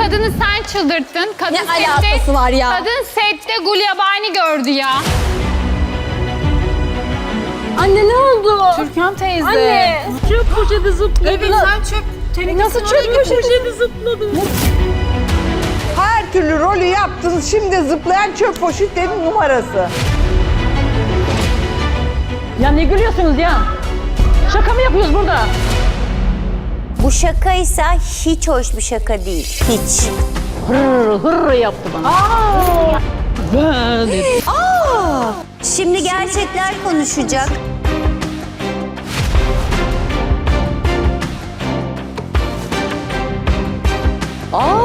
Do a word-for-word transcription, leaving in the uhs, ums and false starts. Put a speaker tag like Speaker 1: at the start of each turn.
Speaker 1: kadını sen çıldırttın. Kadın
Speaker 2: Ne alakası var ya?
Speaker 1: Kadın sette Gulyabani gördü ya.
Speaker 2: Anne ne oldu?
Speaker 3: Türkan teyze.
Speaker 2: Anne.
Speaker 3: Çöp poşeti zıpladı. Evet sen çöp tenekesini
Speaker 2: Nasıl çöp poşeti
Speaker 3: zıpladı?
Speaker 4: Her türlü rolü yaptınız. Şimdi zıplayan çöp poşetlerin numarası.
Speaker 5: Ya ne gülüyorsunuz ya? Şaka mı yapıyoruz burada?
Speaker 6: Bu şakaysa hiç hoş bir şaka değil. Hiç.
Speaker 5: Hırr hırr yaptı bana. Aa! Ben dedi.
Speaker 6: Şimdi gerçekler konuşacak.
Speaker 2: Aa!